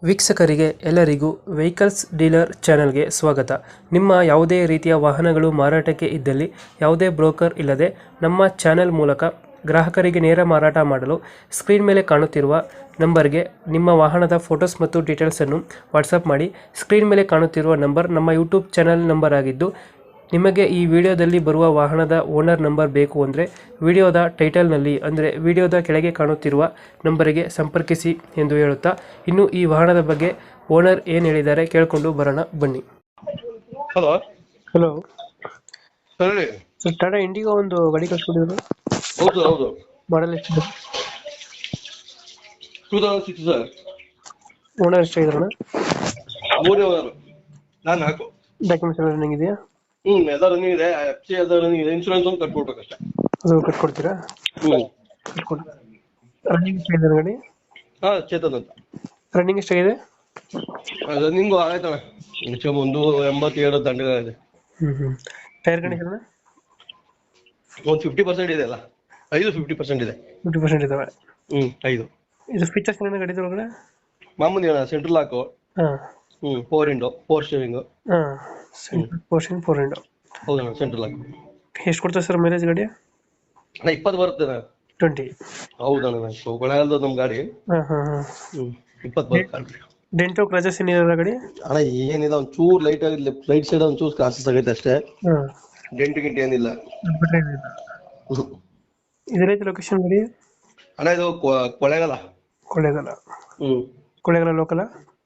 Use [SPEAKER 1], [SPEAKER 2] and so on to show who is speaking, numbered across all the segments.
[SPEAKER 1] ವೀಕ್ಷಕರಿಗೆ ಎಲ್ಲರಿಗೂ vehicles dealer ಚಾನೆಲ್ಗೆ ಸ್ವಾಗತ. ನಿಮ್ಮ ಯಾವುದೇ ರೀತಿಯ ವಾಹನಗಳು ಮಾರಾಟಕ್ಕೆ ಇದ್ದಲ್ಲಿ ಯಾವುದೇ ಬ್ರೋಕರ್ ಇಲ್ಲದೆ ನಮ್ಮ ಚಾನೆಲ್ ಮೂಲಕ ಗ್ರಾಹಕರಿಗೆ ನೇರ ಮಾರಾಟ ಮಾಡಲು ಸ್ಕ್ರೀನ್ ಮೇಲೆ ಕಾಣುತ್ತಿರುವ ನಂಬರ್ಗೆ ನಿಮ್ಮ ವಾಹನದ ಫೋಟೋಸ್ ಮತ್ತು ಡೀಟೇಲ್ಸನ್ನು ವಾಟ್ಸಪ್ ಮಾಡಿ. ಸ್ಕ್ರೀನ್ ಮೇಲೆ ಕಾಣುತ್ತಿರುವ ನಂಬರ್ ನಮ್ಮ ಯೂಟ್ಯೂಬ್ ಚಾನೆಲ್ ನಂಬರ್ ಆಗಿದ್ದು, ನಿಮಗೆ ಈ ವಿಡಿಯೋದಲ್ಲಿ ಬರುವ ವಾಹನದ ಓನರ್ ನಂಬರ್ ಬೇಕು ಅಂದರೆ ವಿಡಿಯೋದ ಟೈಟಲ್ನಲ್ಲಿ ಅಂದರೆ ವಿಡಿಯೋದ ಕೆಳಗೆ ಕಾಣುತ್ತಿರುವ ನಂಬರಿಗೆ ಸಂಪರ್ಕಿಸಿ ಎಂದು ಹೇಳುತ್ತಾ, ಇನ್ನು ಈ ವಾಹನದ ಬಗ್ಗೆ ಓನರ್ ಏನು ಹೇಳಿದ್ದಾರೆ ಕೇಳಿಕೊಂಡು ಬರೋಣ ಬನ್ನಿ.
[SPEAKER 2] ಹಲೋ
[SPEAKER 1] ಹಲೋ
[SPEAKER 2] ಹೇಳಿ.
[SPEAKER 1] ಸರ್, ಟಾಟಾ ಇಂಡಿಗೋ ಒಂದು ಗಾಡಿ ಕಳ್ಸ್ಕೊಂಡಿದ್ರು,
[SPEAKER 2] ಹೌದು ಹೌದು,
[SPEAKER 1] ಮಾಡಲ್ ಎಷ್ಟು?
[SPEAKER 2] 2006 ಸರ್.
[SPEAKER 1] ಓನರ್ ಎಷ್ಟಾಗಿದ್ರಣ?
[SPEAKER 2] ಮೂರನೇ ಓನರ್, ನಾನು 4.
[SPEAKER 1] ಡಾಕ್ಯುಮೆಂಟ್ಸ್ ಎಲ್ಲ ರನ್ನಿಂಗ್ ಇದೆಯಾ?
[SPEAKER 2] ಎಲ್ಲ ರನ್ನಿಂಗ್ ಇದೆ. FC ಎಲ್ಲ ರನ್ನಿಂಗ್ ಇದೆ. ಇನ್ಶೂರೆನ್ಸ್ ಒಂದು ಕಟ್ಕೊಡ್ಬೇಕಷ್ಟೇ.
[SPEAKER 1] ಅದು ಕಟ್ಕೊಡ್ತೀರಾ? ಕಟ್ಕೊಡಿ. ರನ್ನಿಂಗ್ ಎಷ್ಟಾಗಿದೆ ಗಾಡಿ?
[SPEAKER 2] ಹಾ, ಚೇತನ್ ಅಂತ.
[SPEAKER 1] ರನ್ನಿಂಗ್ ಎಷ್ಟಾಗಿದೆ?
[SPEAKER 2] ರನ್ನಿಂಗು ಆಗೈತಣ್ಣ, ಒಂದು 87 ದಂಡಗಳಿದೆ.
[SPEAKER 1] ಟೈರ್ ಕಂಡೀಷನ್
[SPEAKER 2] ಒಂದು 50% ಇದೆ ಅಲ್ಲ, 50% ಇದೆ.
[SPEAKER 1] 50% ಇದಾವೆ.
[SPEAKER 2] 5
[SPEAKER 1] ಇದು ಫೀಚರ್ಸ್ ಏನೇನು ಗಾಡಿ ಒಳಗಡೆ?
[SPEAKER 2] ಮಾಮೂಲಿ ಅಣ್ಣ, ಸೆಂಟ್ರಲ್ ಲಾಕು,
[SPEAKER 1] ಹಾಂ
[SPEAKER 2] 4 ವಿಂಡೋ, 4 ಸ್ಟೀರಿಂಗು.
[SPEAKER 1] ಹಾಂ, ಸೆಂಟ್ರಲ್ ಪೋರ್ಷನ್ 4 ವಿಂಡೋ.
[SPEAKER 2] ಹೌದಣ್ಣ, ಸೆಂಟ್ರಲ್ ಲಾಕ್.
[SPEAKER 1] ಎಷ್ಟು ಕೊಡ್ತದೆ ಸರ್ ಮೈಲೇಜ್ ಗಾಡಿ?
[SPEAKER 2] ಅಣ್ಣ 20 ಬರುತ್ತೆ ಅಣ್ಣ.
[SPEAKER 1] 20.
[SPEAKER 2] ಹೌದಣ್ಣ, ಕೊಳೆಯಲ್ದು ನಮ್ಮ ಗಾಡಿ.
[SPEAKER 1] ಹಾಂ ಹಾಂ ಹಾಂ.
[SPEAKER 2] 20 ಬರುತ್ತೆ.
[SPEAKER 1] ಡೆಂಟೋ ಕ್ರಾಚಸ್ ಏನಿರಲ್ಲ ಗಾಡಿ?
[SPEAKER 2] ಅಣ್ಣ ಏನಿಲ್ಲ, ಒಂಚೂರು ಲೈಟ್ ಆಗಿ ರೈಟ್ ಸೈಡ್ ಒಂಚೂರು ಕ್ರಾಸಸ್ ಆಗೈತೆ ಅಷ್ಟೇ.
[SPEAKER 1] ಹಾಂ,
[SPEAKER 2] ಡೆಂಟ್ ಗಿಂಟ್ ಏನಿಲ್ಲ.
[SPEAKER 1] ಇದೈತೆ ಲೊಕೇಶನ್ ಗಾಡಿ?
[SPEAKER 2] ಅಣ್ಣ ಇದು ಕೊಳೆಗಾಲ.
[SPEAKER 1] ಕೊಳ್ಳೇಗಾಲ. ಕೊಳ್ಳೇಗಾಲ ಲೋಕಲ?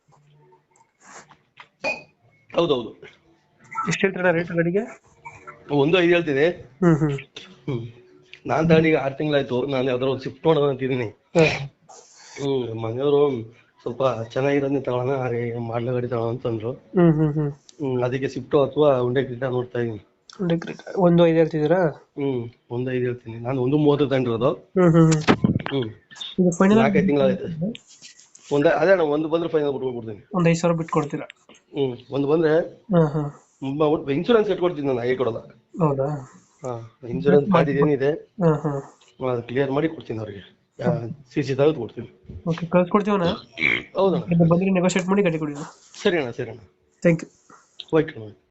[SPEAKER 2] ಹೌದೌದು.
[SPEAKER 1] ಎಷ್ಟು ಹೇಳ್ತೀರಾ ರೇಟ್ ಗಾಡಿಗೆ?
[SPEAKER 2] 1.5 ಹೇಳ್ತೀನಿ.
[SPEAKER 1] ಹ್ಮ್.
[SPEAKER 2] ನಾನ್ ತಗೊಂಡು ಈಗ 6 ತಿಂಗಳಾಯ್ತು. ನಾನು ಯಾವ್ದಾರು ಒಂದು ಸ್ವಿಫ್ಟ್ ಮಾಡೋಣ ಅಂತಿದ್ದೀನಿ. ಮನೆಯವರು ಸ್ವಲ್ಪ ಚೆನ್ನಾಗಿರೋದನ್ನ ತಗೊಳ್ಳೋಣ, ಮಾಡ್ಲ ಗಾಡಿ ತಗೊಳ್ಳೋಣ ಅಂತಂದ್ರು. ಅದಕ್ಕೆ ಸ್ವಿಫ್ಟ್ ಅಥವಾ ಹುಂಡೈ ಕ್ರೆಟಾ ನೋಡ್ತಾ ಇದೀನಿ.
[SPEAKER 1] 1.5 ಹೇಳ್ತಿದ್ದೀರಾ?
[SPEAKER 2] 1.5 ಹೇಳ್ತೀನಿ. ನಾನು 1.30 ತಗೊಂಡಿರೋದು.
[SPEAKER 1] ಇದು ಫೈನಲ್
[SPEAKER 2] 4 ತಿಂಗಳಾಯ್ತು. ಅದೇ ಅಣ್ಣ, ಒಂದು ಬಂದ್ರೆ ಫೈನಲ್ ಬಿಟ್ಕೊಡ್ತೀನಿ.
[SPEAKER 1] ಒಂದು 5,000 ಬಿಟ್ಟು ಕೊಡ್ತೀರಾ?
[SPEAKER 2] ಒಂದು ಬಂದ್ರೆ ಇನ್ಶೂರೆನ್ಸ್ ಕಟ್ಕೊಡ್ತೀನಿ, ನಾನು ಹಾಗೆ ಕೊಡೋಲ್ಲ.
[SPEAKER 1] ಹೌದಾ?
[SPEAKER 2] ಇನ್ಶೂರೆನ್ಸ್ ಗಾಡಿ ಏನಿದೆ ಅದು ಕ್ಲಿಯರ್ ಮಾಡಿ ಕೊಡ್ತೀನಿ ಅವ್ರಿಗೆ. CC ತೆಗೆದು ಕೊಡ್ತೀನಿ.
[SPEAKER 1] ಓಕೆ, ಕಳ್ಸ್ಕೊಡ್ತೀವಣ್ಣ.
[SPEAKER 2] ಹೌದಣ್ಣ,
[SPEAKER 1] ಬಂದ್ರೆ ನೆಗೋಷಿಯೇಟ್ ಮಾಡಿ ಗಾಡಿ ಕೊಡಿ.
[SPEAKER 2] ಸರಿ ಅಣ್ಣ, ಸರಿ ಅಣ್ಣ.
[SPEAKER 1] Thank you.
[SPEAKER 2] ಓಕೆ.